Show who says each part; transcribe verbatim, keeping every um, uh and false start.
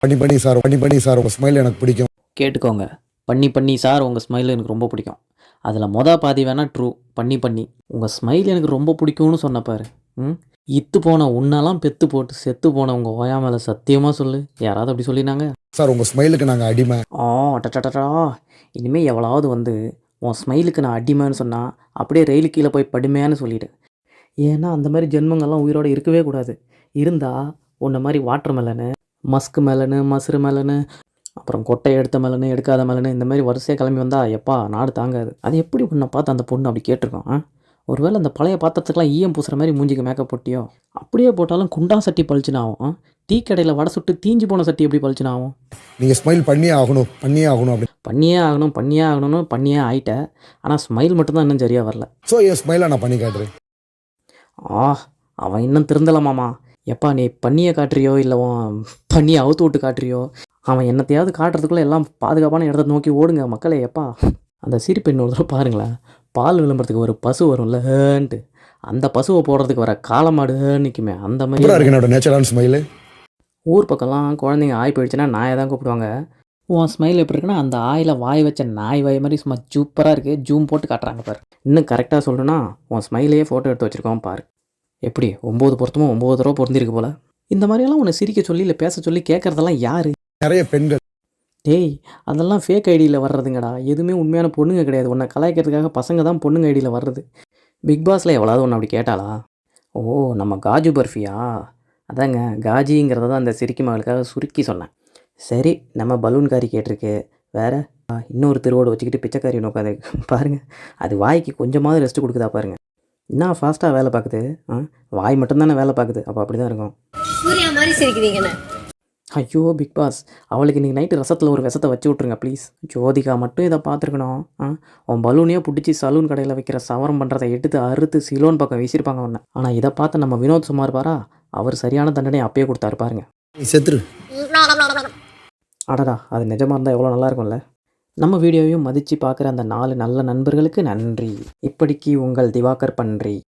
Speaker 1: பண்ணி பண்ணி சார் பண்ணி பண்ணி சார் உங்கள் ஸ்மைல் எனக்கு பிடிக்கும்.
Speaker 2: கேட்டுக்கோங்க. பண்ணி பண்ணி சார் உங்கள் ஸ்மைல் எனக்கு ரொம்ப பிடிக்கும். அதில் மொத பாதி வேணால் ட்ரூ. பண்ணி பண்ணி உங்கள் ஸ்மைல் எனக்கு ரொம்ப பிடிக்கும்னு சொன்னப்பாரு. ம் இத்து போன உன்னெல்லாம் பெத்து போட்டு செத்து போன உங்கள் ஓயா மேலே சத்தியமாக சொல்லு, யாராவது அப்படி சொல்லினாங்க?
Speaker 1: சார் உங்கள் ஸ்மைலுக்கு நாங்கள் அடிமை.
Speaker 2: ஆ டட்டா இனிமேல் எவ்வளோவது வந்து உன் ஸ்மைலுக்கு நான் அடிமைன்னு சொன்னால் அப்படியே ரயிலு கீழே போய் படுமையான்னு சொல்லிவிடு. ஏன்னா அந்த மாதிரி ஜென்மங்கள்லாம் உயிரோடு இருக்கவே கூடாது. இருந்தால் உன்ன மாதிரி வாட்டர் மெலனு, மஸ்க் மெலனு, மசுறு மெலனு, அப்புறம் கொட்டை எடுத்த மெலனு, எடுக்காத மெலனு, இந்த மாதிரி வரிசையாக கிளம்பி வந்தால் எப்பா நாடு தாங்காது. அது எப்படி உன்னை பார்த்து அந்த பொண்ணு அப்படி கேட்டிருக்கோம்? ஆ ஒருவேளை அந்த பழைய பாத்திரத்துக்கெலாம் ஈயம் பூசுகிற மாதிரி மூஞ்சிக்கு மேக்கப் போட்டியோ? அப்படியே போட்டாலும் குண்டா சட்டி பளிச்சுன்னு ஆகும். டீ கடையில் வடை சுட்டு தீஞ்சு போன சட்டி எப்படி பளிச்சுன்னு ஆகும்?
Speaker 1: நீங்கள் ஸ்மைல் பண்ணியே ஆகணும் பண்ணியே ஆகணும் அப்படி
Speaker 2: பண்ணியே ஆகணும் பண்ணியே ஆகணும்னு பண்ணியே ஆகிட்டேன். ஆனால் ஸ்மைல் மட்டும்தான் இன்னும் சரியாக வரல.
Speaker 1: ஸோ என் ஸ்மைலை நான் பண்ணி காட்டுறேன்.
Speaker 2: ஆ அவன் இன்னும் திருந்தலாமாம்மா. எப்பா நீ பண்ணியை காட்டுறியோ இல்லை உன் பண்ணியை அவுத்து விட்டு காட்டுறியோ, அவன் என்னத்தையாவது காட்டுறதுக்குள்ளே எல்லாம் பாதுகாப்பான இடத்த நோக்கி ஓடுங்க மக்களே. எப்பா அந்த சிரிப்பெண் ஒரு தடவை பாருங்களேன். பால் விளம்பரத்துக்கு ஒரு பசு வரும்லன்ட்டு, அந்த பசுவை போடுறதுக்கு வர காளமாடு நிற்குமே அந்த மாதிரி
Speaker 1: இருக்கு என்னோட நேச்சுரலான ஸ்மைலு.
Speaker 2: ஊர் பக்கம்லாம் குழந்தைங்க ஆய் போயிடுச்சுன்னா நாயை தான் கூப்பிடுவாங்க. உன் ஸ்மைல் எப்படி இருக்குன்னா அந்த ஆயில் வாய் வச்ச நாய் வாய் மாதிரி சும்மா சூப்பராக இருக்குது. ஜூம் போட்டு காட்டுறாங்க பாரு. இன்னும் கரெக்டாக சொல்லணும்னா உன் ஸ்மைலையே ஃபோட்டோ எடுத்து வச்சுருக்கோம் பாரு. எப்படி ஒம்பது பொருத்தமும் ஒம்பது தடவை பொருந்திருக்கு போல். இந்த மாதிரியெல்லாம் உன்னை சிரிக்க சொல்லி இல்லை பேச சொல்லி கேட்குறதெல்லாம் யார்?
Speaker 1: நிறைய பெண்கள்.
Speaker 2: டேய் அதெல்லாம் ஃபேக் ஐடியில் வர்றதுங்கடா. எதுவுமே உண்மையான பொண்ணுங்க கிடையாது. உன்னை கலாய்க்கிறதுக்காக பசங்க தான் பொண்ணுங்க ஐடியில் வர்றது. பிக் பாஸில் எவ்வளோது ஒன்று அப்படி கேட்டாளா? ஓ நம்ம காஜு பர்ஃபியா? அதாங்க காஜிங்கிறத தான் அந்த சிரிக்கி மகளுக்காக சுருக்கி சொன்னேன். சரி நம்ம பலூன்காரி கேட்டிருக்கு. வேறு இன்னொரு திருவோடு வச்சுக்கிட்டு பிச்சைக்காரி நோக்காது பாருங்கள். அது வாய்க்கு கொஞ்சமாவது ரெஸ்ட்டு கொடுக்குதா பாருங்கள். என்ன ஃபாஸ்ட்டாக வேலை பார்க்குது. ஆ வாய் மட்டும்தானே வேலை பார்க்குது. அப்போ அப்படி தான் இருக்கும்.
Speaker 3: சூர்யா மாதிரி சிரிக்கிறீங்கண்ணே.
Speaker 2: ஐயோ பிக் பாஸ், அவளுக்கு இன்றைக்கி நைட்டு ரசத்தில் ஒரு விஷத்தை வச்சு விட்ருங்க ப்ளீஸ். ஜோதிகா மட்டும் இதை பார்த்துருக்கணும். ஆ உன் பலூனையே பிடிச்சி சலூன் கடையில் வைக்கிற சவரம் பண்ணுறதை எடுத்து அறுத்து சிலோன் பக்கம் வீசியிருப்பாங்க ஒன்று. ஆனால் இதை பார்த்து நம்ம வினோத் சுமார் பாரா, அவர் சரியான தண்டனை அப்பயே கொடுத்தாரு பாருங்க.
Speaker 1: செத்துரு.
Speaker 2: அடடா அது நிஜமாக இருந்தால் எவ்வளோ நல்லா இருக்கும்ல. நம்ம வீடியோவையும் மதித்து பார்க்குற அந்த நாலு நல்ல நண்பர்களுக்கு நன்றி. இப்படிக்கு உங்கள் திவாகர் பன்றி.